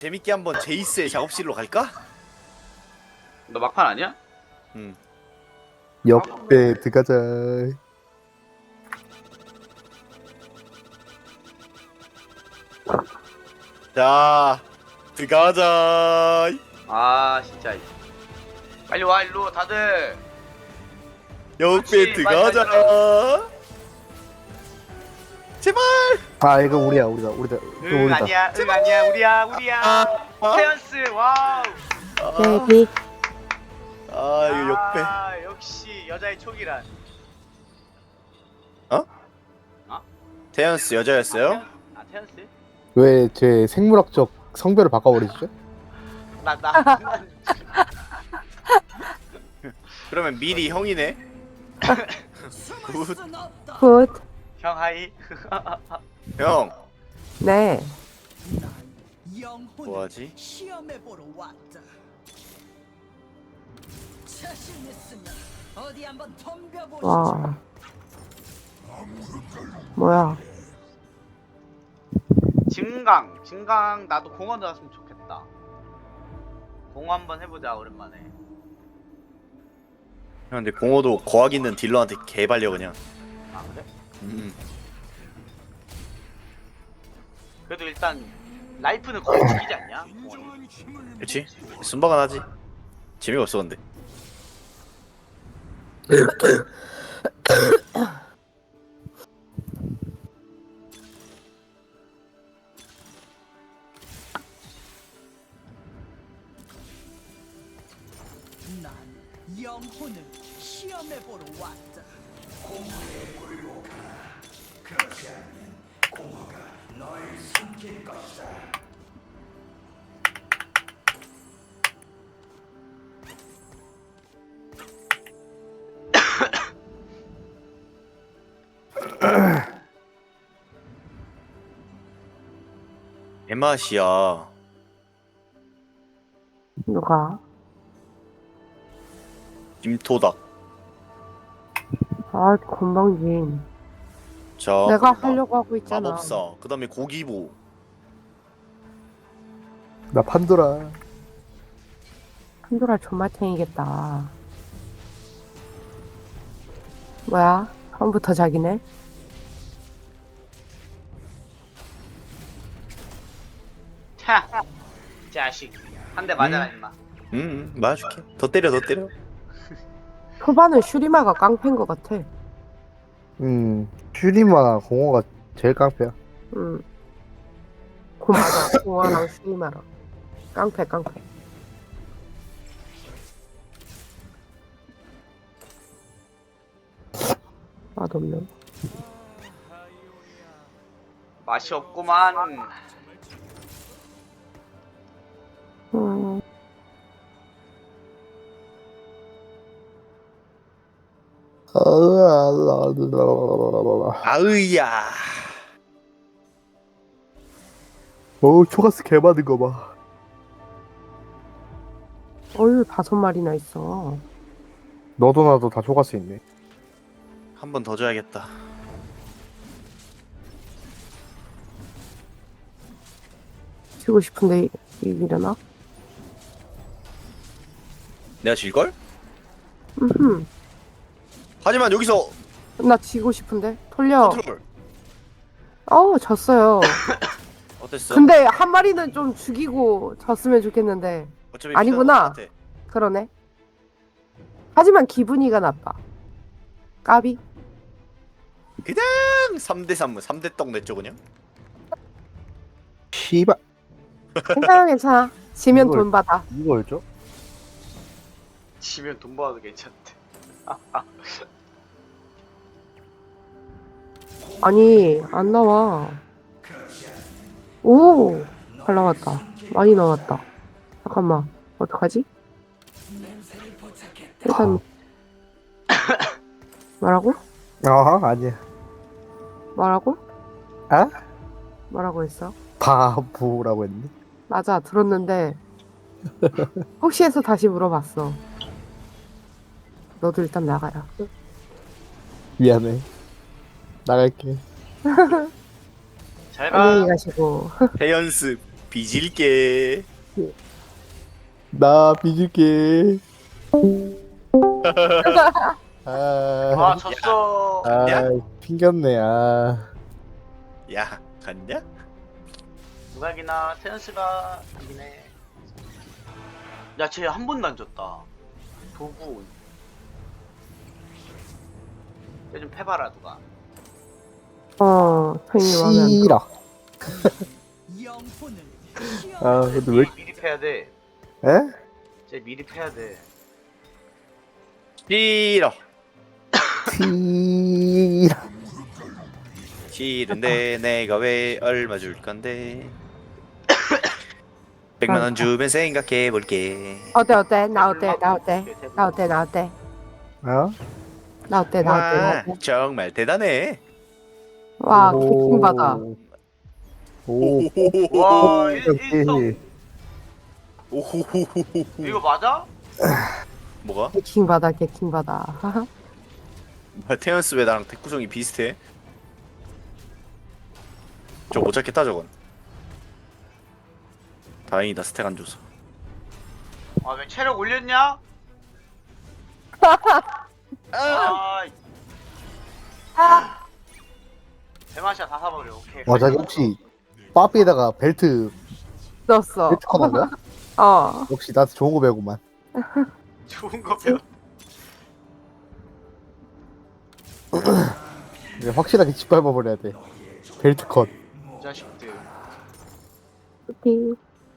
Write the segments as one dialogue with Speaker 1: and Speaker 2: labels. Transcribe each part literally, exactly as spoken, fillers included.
Speaker 1: 재밌게 한번 제이스의 작업실로 갈까?
Speaker 2: 너 막판 아니야?
Speaker 1: 응.
Speaker 3: 옆에 들어가자.
Speaker 1: 자, 들어가자.
Speaker 2: 아 진짜 빨리 와 일로 다들.
Speaker 1: 옆에
Speaker 2: 그렇지,
Speaker 1: 들어가자.
Speaker 2: 빨리,
Speaker 1: 제발.
Speaker 3: 아 이거 우리야 우리다 우리다
Speaker 2: 응
Speaker 3: 이거 우리다.
Speaker 2: 아니야 응 아니야 우리야 우리야.
Speaker 1: 아,
Speaker 2: 태연스 와우.
Speaker 1: 아,
Speaker 4: 베이비.
Speaker 1: 아 이거 옆에.
Speaker 2: 아, 역시 여자의 촉이란.
Speaker 1: 태연스 여자였어요?
Speaker 2: 아 태연스?
Speaker 3: 왜 제 생물학적 성별을 바꿔버리시죠?
Speaker 2: 나나
Speaker 1: 그러면 미리 형이네. 굿.
Speaker 4: 굿.
Speaker 2: 형 하이.
Speaker 1: 형,
Speaker 4: 네.
Speaker 1: 뭐하지?
Speaker 5: 시험해보러 왔다. 자신 있으면 어디 한번 덤벼보시죠.
Speaker 4: 와. 뭐야?
Speaker 2: 진강 진강 나도 공원 들어갔으면 좋겠다. 공원 한번 해보자 오랜만에.
Speaker 1: 형 근데 공호도 거학 있는 딜러한테 개발려 그냥.
Speaker 2: 아 그래?
Speaker 1: 음.
Speaker 2: 그래도 일단 라이프는 거의 죽이지 않냐? 공원이.
Speaker 1: 그렇지? 순박은 하지. 재미가 없어 근데.
Speaker 5: 난 영혼을 시험해보러 왔다.
Speaker 1: 개맛이야.
Speaker 4: 누가?
Speaker 1: 김토닥.
Speaker 4: 아, 건방진.
Speaker 1: 자.
Speaker 4: 내가
Speaker 1: 그다음
Speaker 4: 하려고 하고 있잖아.
Speaker 1: 마법사. 그다음에 고기보.
Speaker 3: 나 판도라.
Speaker 4: 판도라 존맛탱이겠다. 뭐야? 처음부터 자기네?
Speaker 2: 차 자식 한 대 맞아라
Speaker 1: 음.
Speaker 2: 임마.
Speaker 1: 응, 응, 맞아줄게. 더 때려, 더 때려.
Speaker 4: 초반은 슈리마가 깡패인 것 같아.
Speaker 3: 음 슈리마 공호가 제일 깡패야.
Speaker 4: 응. 고 맞아. 공화랑 슈리마랑. 깡패, 깡패. 맛없네.
Speaker 2: 맛이 없구만.
Speaker 4: 음.
Speaker 1: 아으야.
Speaker 3: 어우 초가스 개 많은 거 봐.
Speaker 4: 어휴, 다섯 마리나 있어.
Speaker 3: 너도 나도 다 초가스 있네.
Speaker 1: 한 번 더 줘야겠다.
Speaker 4: 치고 싶은데 이기려나?
Speaker 1: 내가 질걸?
Speaker 4: 음흠.
Speaker 1: 하지만 여기서
Speaker 4: 나 지고 싶은데? 돌려.
Speaker 1: 컨트롤.
Speaker 4: 어우, 졌어요.
Speaker 1: 어땠어?
Speaker 4: 근데 한 마리는 좀 죽이고 졌으면 좋겠는데.
Speaker 1: 어차피
Speaker 4: 아니구나.
Speaker 1: 피가 똑같아.
Speaker 4: 그러네. 하지만 기분이가 나빠. 까비?
Speaker 1: 그냥 삼 대 삼, 삼 대 떡 냈죠 그냥.
Speaker 3: 씨발
Speaker 4: 괜찮아, 괜찮아. 지면
Speaker 3: 이걸-
Speaker 4: 돈 받아.
Speaker 3: 이걸 줘?
Speaker 2: 지면 돈 벌어도 괜찮대.
Speaker 4: 아니, 안 나와. 오! 잘 나왔다. 많이 나왔다. 잠깐만. 어떡하지? 일단. 뭐라고?
Speaker 3: 아 아니야.
Speaker 4: 뭐라고?
Speaker 3: 아?
Speaker 4: 뭐라고 했어?
Speaker 3: 바보라고 했니?
Speaker 4: 맞아, 들었는데. 혹시 해서 다시 물어봤어. 너도 일단 나가라.
Speaker 3: 미안해. 나갈게.
Speaker 2: 잘 가.
Speaker 4: 안녕히 가시고.
Speaker 1: 대연습. 빚을게.
Speaker 3: 나 빚을게. 아,
Speaker 2: 아 졌어.
Speaker 3: 아,
Speaker 1: 야.
Speaker 3: 튕겼네. 아,
Speaker 1: 야 갔냐?
Speaker 2: 누가 이기나 테너스가 이기네. 야쟤 한 번도 안 졌다. 도구. 얘좀 패봐라 누가.
Speaker 4: 어, 팽이 마음에 안 들어.
Speaker 3: 싫어.
Speaker 5: 영혼을
Speaker 3: 아, 근데 왜?
Speaker 2: 미리, 미리 패야 돼.
Speaker 3: 에?
Speaker 2: 쟤 미리 패야 돼.
Speaker 1: 싫어.
Speaker 3: 싫어.
Speaker 1: 싫은데 내가 왜 얼마 줄 건데? 백만 원 주면 생각해 볼게.
Speaker 4: 어때, 어때? 나 어때? 나 어때? 나 어때? 나 어때?
Speaker 3: 어?
Speaker 4: 나 어때? 나 어때? 나
Speaker 1: 와
Speaker 4: 어때?
Speaker 1: 정말 대단해.
Speaker 4: 와,
Speaker 3: 오.
Speaker 4: 개킹받아.
Speaker 3: 오.
Speaker 2: 와 일-
Speaker 3: 역시.
Speaker 2: 일성.
Speaker 1: 오호호호호.
Speaker 2: 이거 맞아?
Speaker 1: 뭐가?
Speaker 4: 개킹받아, 개킹받아.
Speaker 1: 뭐야, 테연스 왜 나랑 대구성이 비슷해? 저 못 잡겠다 저건. 다행이다 스택 안 줘서.
Speaker 2: 아 왜 체력 올렸냐? 아. 대마시아 다 사버려. 오케이.
Speaker 3: 와, 자기 혹시 빠삐에다가 벨트
Speaker 4: 넣었어.
Speaker 3: 벨트 커는 거야?
Speaker 4: 어.
Speaker 3: 역시 나한테 좋은 거 배우구만.
Speaker 2: 좋은 거 배워.
Speaker 3: 이제 확실하게 짓밟아 버려야 돼. 벨트 컷.
Speaker 2: 이 자식들.
Speaker 4: 오케이.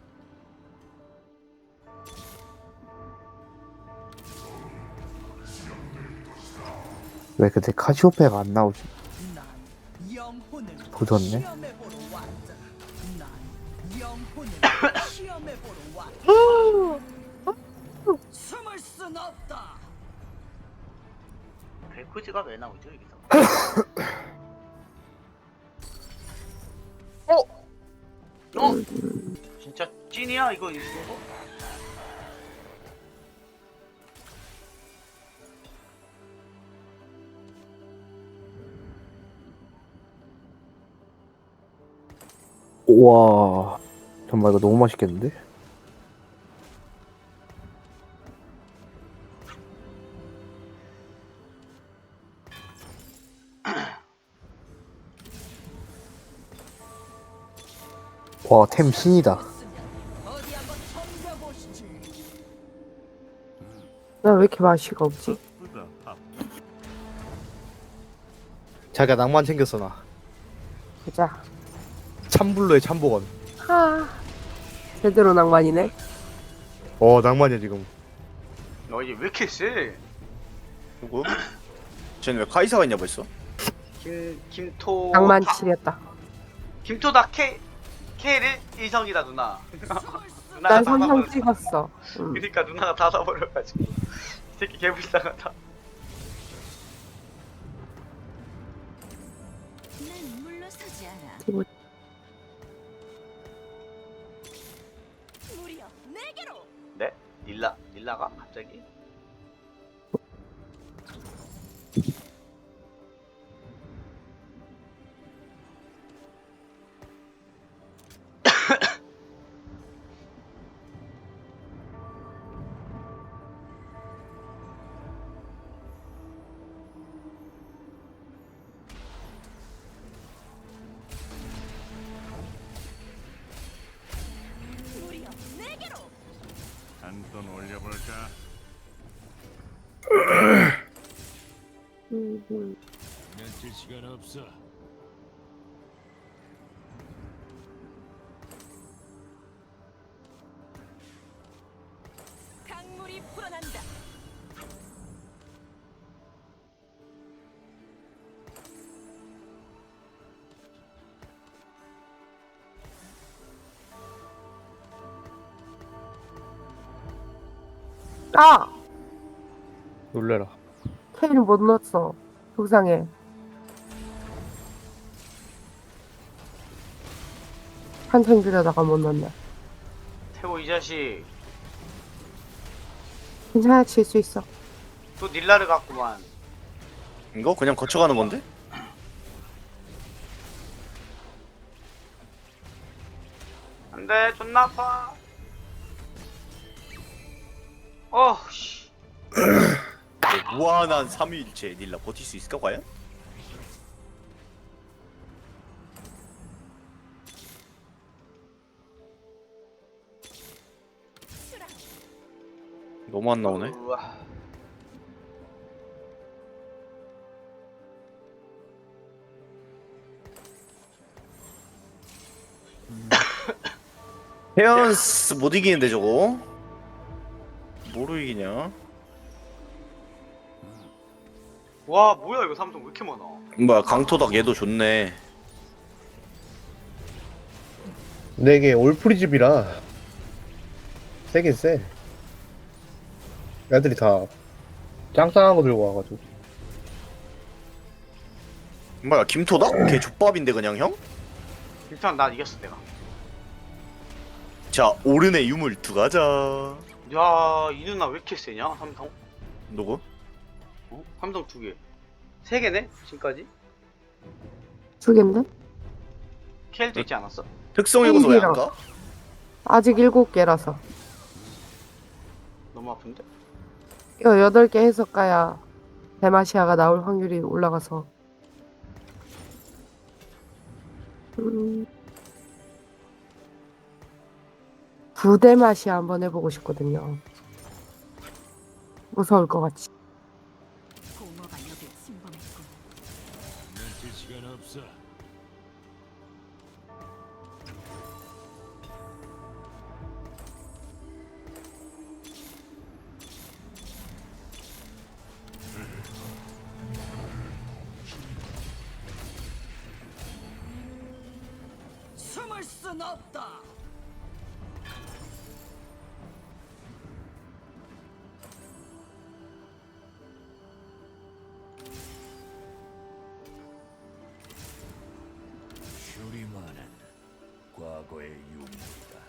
Speaker 3: 왜 근데 카시오페가 안 나오지?
Speaker 5: 난 영혼을
Speaker 3: 도졌네.
Speaker 5: 시험해보러 왔다. 난 영혼을 시험해보러 왔다. 숨을 순 없다.
Speaker 2: 벨코즈가 왜 나오죠 여기서? 어? 어? 진짜 찐이야 이거 이거?
Speaker 3: 와, 정말 이거 너무 맛있겠는데? 와, 템 신이다.
Speaker 5: 어디 한번 덤벼보시지.
Speaker 4: 나 왜 이렇게 맛이가 없지?
Speaker 3: 자기가 낭만 챙겼어 나.
Speaker 4: 보자.
Speaker 3: 참불로의 참복원.
Speaker 4: 아, 제대로 낭만이네.
Speaker 3: 어, 낭만이야 지금.
Speaker 2: 너 이게 왜 이렇게 세?
Speaker 1: 누구? 쟤는 왜 카이사가 있냐 벌써?
Speaker 2: 김 김토.
Speaker 4: 낭만
Speaker 2: 다-
Speaker 4: 치렸다.
Speaker 2: 김토다 K K를 일성이다 누나. 누나가
Speaker 4: 난
Speaker 2: 다
Speaker 4: 삼성
Speaker 2: 사버렸어.
Speaker 4: 찍었어. 응.
Speaker 2: 그러니까 누나가 다 사버려가지고. 이 새끼 개불쌍하다.
Speaker 5: 난 물러서지 않아.
Speaker 4: 이거-
Speaker 5: 무려 내게로.
Speaker 2: 네? 릴라 릴라가 갑자기?
Speaker 5: 무려 내게로.
Speaker 6: 한 돈 올려볼까?
Speaker 4: 음, 음.
Speaker 6: 며칠 시간 없어.
Speaker 5: 강물이 불어난다.
Speaker 4: 아!
Speaker 3: 놀래라.
Speaker 4: 케이를 못 넣었어. 속상해. 한참 들여다가 못 넣네.
Speaker 2: 태호 이 자식
Speaker 4: 괜찮아, 칠 수 있어.
Speaker 2: 또 닐라를 갖구만.
Speaker 1: 이거 그냥 거쳐가는 건데?
Speaker 2: 안 안돼 존나 아파. 어씨.
Speaker 1: 무한한 삼위일체 닐라 버틸 수 있을까 과연? 너무 안 나오네.
Speaker 2: 우와.
Speaker 1: 헤언스 못 이기는데 저거? 뭐로 이기냐?
Speaker 2: 와 뭐야 이거 삼성 왜 이렇게 많아?
Speaker 1: 뭐야 강토닥 얘도 좋네.
Speaker 3: 근데 이게 올프리집이라 세긴 세. 애들이 다 짱짱한 거 들고 와가지고.
Speaker 1: 뭐야 김토닥? 걔 족밥인데 그냥 형?
Speaker 2: 일단 난 이겼어 내가.
Speaker 1: 자 오른의 유물 들어가자.
Speaker 2: 야이 누나 왜 이렇게 세냐 삼성?
Speaker 1: 누구?
Speaker 2: 어? 삼성 두 개. 세 개네 지금까지?
Speaker 4: 두 갠데?
Speaker 2: 켈도 있지 않았어?
Speaker 1: 특성 요소 왜 안
Speaker 4: 일이랑.
Speaker 1: 가?
Speaker 4: 아직 일곱 개라서.
Speaker 2: 너무 아픈데?
Speaker 4: 이거 여덟 개 해서 까야 데마시아가 나올 확률이 올라가서. 음. 부데마시아 한번 해보고 싶거든요. 무서울 것 같지.
Speaker 5: 공허가 여길 침범했군.
Speaker 6: 멈출 시간 없어.
Speaker 5: 숨을 순 없다.
Speaker 6: 슈리만은 과거의 유물이다.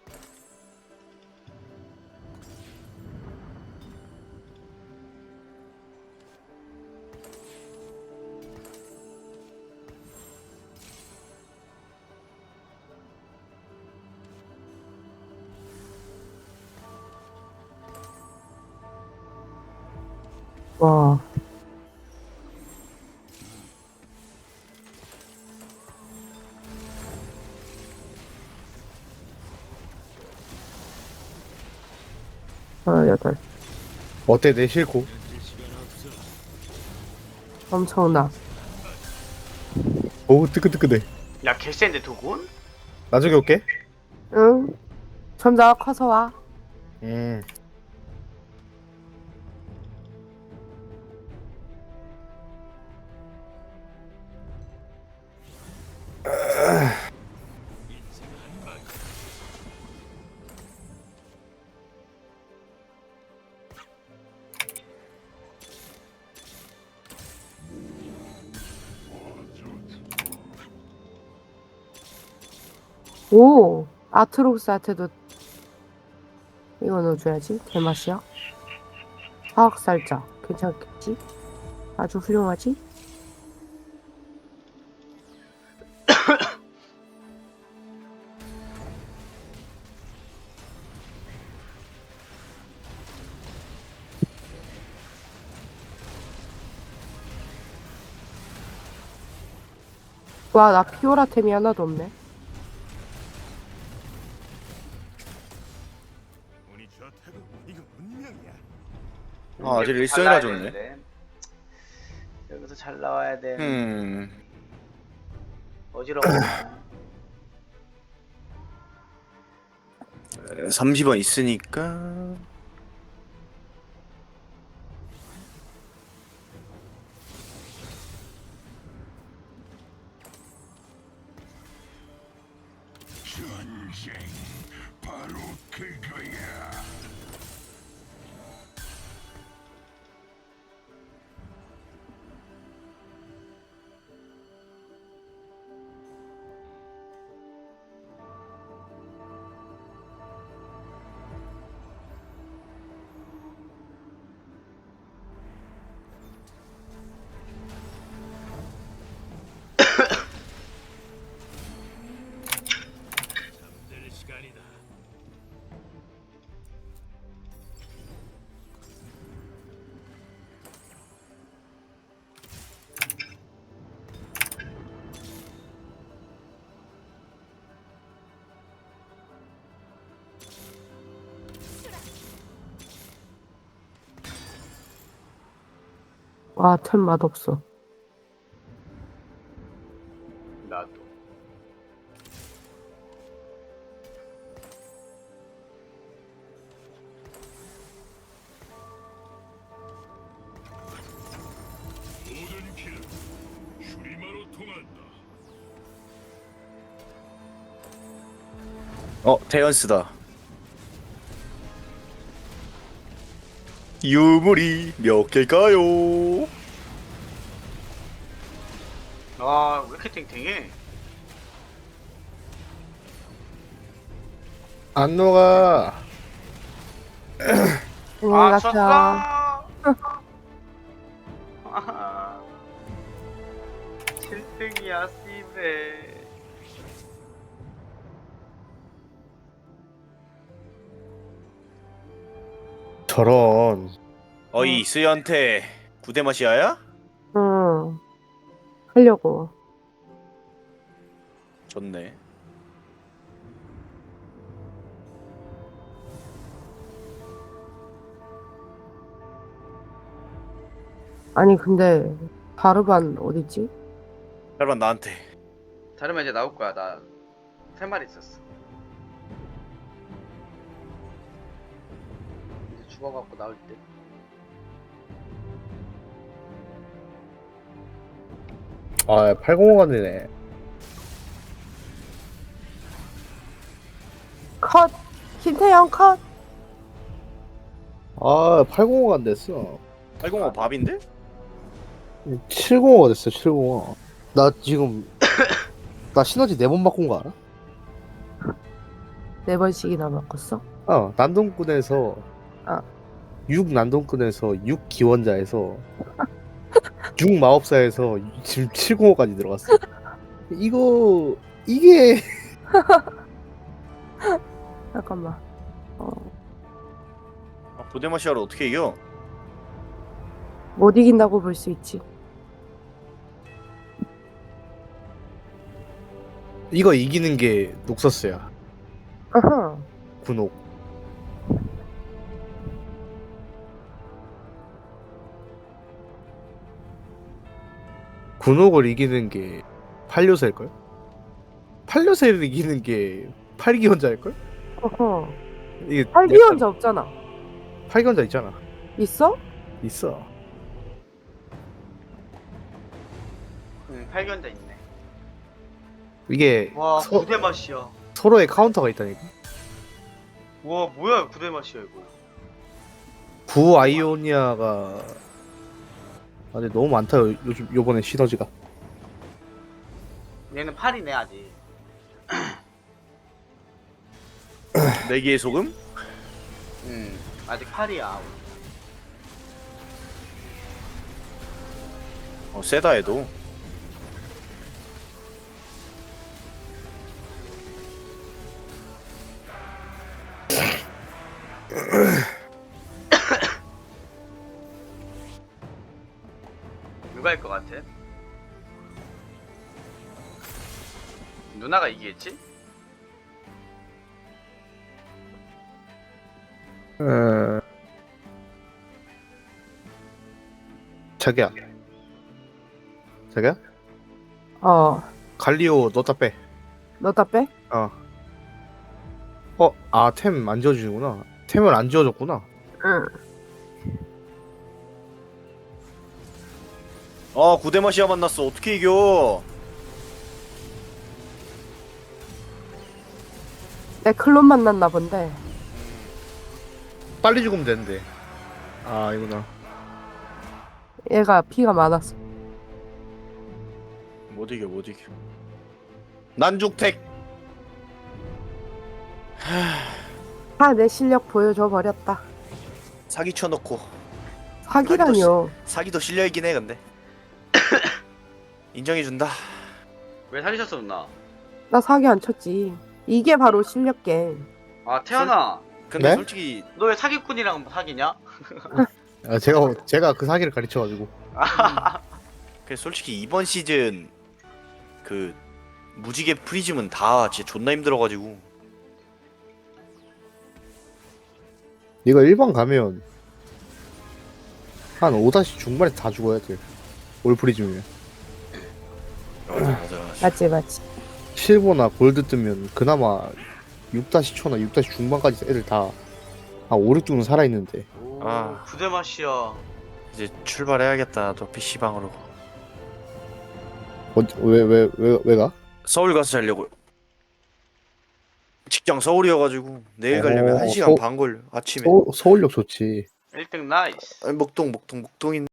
Speaker 4: 와. 아, 여덟.
Speaker 3: 어때 내 싫고?
Speaker 6: 멈출 시간 없어.
Speaker 4: 엄청나.
Speaker 3: 오 뜨끈뜨끈해.
Speaker 2: 야 개센데 두군?
Speaker 3: 나중에 올게.
Speaker 4: 응? 점점 커서 와.
Speaker 3: 음.
Speaker 4: 오! 아트록스한테도 이거 넣어줘야지. 개맛이야. 화학살자. 괜찮겠지? 아주 훌륭하지? 와, 나 피오라템이 하나도 없네.
Speaker 6: 운이 좋다고 이거 운명이야.
Speaker 1: 아 쟤
Speaker 2: 여기서
Speaker 1: 일성이라
Speaker 2: 잘 나와야
Speaker 1: 좋네.
Speaker 2: 되는데. 여기서 잘 나와야 돼.
Speaker 1: 음.
Speaker 2: 어지러워.
Speaker 1: 삼십 원 있으니까.
Speaker 6: 전쟁 바로 그거야. 잠들 시간
Speaker 4: 와, 참 맛없어.
Speaker 2: 나도.
Speaker 6: 모든 길은 슈리마로 통한다.
Speaker 1: 어 테연스다. 유물이 몇 개일까요?
Speaker 2: 아, 왜 이렇게 탱탱해?
Speaker 3: 안 녹아.
Speaker 4: 응,
Speaker 2: 아,
Speaker 4: 같아.
Speaker 2: 쳤어! 아하. 칠 등이야, 씨베.
Speaker 3: 저런.
Speaker 1: 어이 스연태 구대마시아야?
Speaker 4: 응. 하려고.
Speaker 1: 좋네.
Speaker 4: 아니, 근데, 바르반 어딨지?
Speaker 1: 잘만 나한테.
Speaker 2: 자르면 이제 나올 거야. 나 세 마리 있었어. 이제 죽어갖고 나올 때.
Speaker 3: 아, 팔공오간이네.
Speaker 4: 컷! 김태형 컷!
Speaker 3: 아, 팔공오간 됐어.
Speaker 1: 팔공오 밥인데?
Speaker 3: 칠공오가 됐어, 칠공오. 나 지금, 나 시너지 네 번 바꾼 거 알아?
Speaker 4: 네 번씩이나 바꿨어?
Speaker 3: 어, 난동꾼에서,
Speaker 4: 아.
Speaker 3: 육 난동꾼에서 육 기원자에서, 육 마법사에서 지금 칠공오까지 들어갔어. 이거, 이게,
Speaker 4: 잠깐만. 어,
Speaker 1: 아, 구대마시아를 어떻게 이겨?
Speaker 4: 못 이긴다고 볼 수 있지.
Speaker 3: 이거 이기는 게 녹서스야.
Speaker 4: 아하.
Speaker 3: 군옥. 군옥을 이기는 게 팔요새일걸? 팔요새를 이기는 게 팔기원자일걸?
Speaker 4: 어허.
Speaker 3: 이게
Speaker 4: 팔기원자 없잖아.
Speaker 3: 팔기원자 있잖아.
Speaker 4: 있어?
Speaker 3: 있어.
Speaker 2: 응, 팔견자 있네.
Speaker 3: 이게
Speaker 2: 와,
Speaker 3: 서,
Speaker 2: 구대 맛이야.
Speaker 3: 서로의 카운터가 있다니까.
Speaker 2: 와, 뭐야, 구대 맛이야 이거.
Speaker 3: 구 아이오니아가 아 근데 너무 많다 요, 요즘 요번에 시너지가.
Speaker 2: 얘는 팔이네 아직.
Speaker 1: 내기의 소금?
Speaker 2: 응, 아직 팔이야.
Speaker 1: 어 세다 해도.
Speaker 2: 누가 할 것 같아? 누나가 이기겠지?
Speaker 3: 어... 자기야. 자기야?
Speaker 4: 어.
Speaker 3: 갈리오 넣다 빼.
Speaker 4: 너 다 빼?
Speaker 3: 어. 어, 아, 템 안 지워주는구나. 템을 안 지워줬구나.
Speaker 4: 응.
Speaker 1: 아 구대마시아 만났어. 어떻게 이겨?
Speaker 4: 내 클론 만났나 본데.
Speaker 3: 빨리 죽으면 되는데. 아, 이구나.
Speaker 4: 얘가 피가 많았어.
Speaker 1: 못 이겨 못 이겨. 난죽택.
Speaker 4: 아, 내 실력 보여줘 버렸다.
Speaker 1: 사기 쳐놓고.
Speaker 4: 사기라뇨.
Speaker 1: 사기도 실력이긴 해 근데. 인정해준다.
Speaker 2: 왜 사기쳤어 누나?
Speaker 4: 나 사기 안 쳤지. 이게 바로 실력 게임.
Speaker 2: 아 태연아,
Speaker 1: 근데
Speaker 3: 네?
Speaker 1: 솔직히
Speaker 2: 너 왜 사기꾼이랑 사귀냐?
Speaker 3: 아, 제가 제가 그 사기를 가르쳐가지고.
Speaker 1: 그 솔직히 이번 시즌 그 무지개 프리즘은 다 진짜 존나 힘들어가지고.
Speaker 3: 이거 일 번 가면 한 오 다시 중반에 다 죽어야 돼. 올프리즘이면.
Speaker 1: 맞아 맞아 맞아.
Speaker 4: 맞지, 맞지.
Speaker 3: 실버나 골드 뜨면 그나마 육 다시 초나 육 다시 중반까지 애들 다 한 오, 육 등은 살아있는데.
Speaker 2: 오,
Speaker 1: 아.
Speaker 2: 구대 맛이야.
Speaker 1: 이제 출발해야겠다. 또 피시방으로.
Speaker 3: 어, 왜, 왜, 왜, 왜 가?
Speaker 1: 서울 가서 자려고요. 직장 서울이어가지고 내일 가려면
Speaker 3: 어,
Speaker 1: 한 시간
Speaker 3: 서-
Speaker 1: 반 걸려. 아침에.
Speaker 3: 서울, 서울역 좋지.
Speaker 2: 일 등 나이스.
Speaker 1: 아니, 목동 목동 목동인.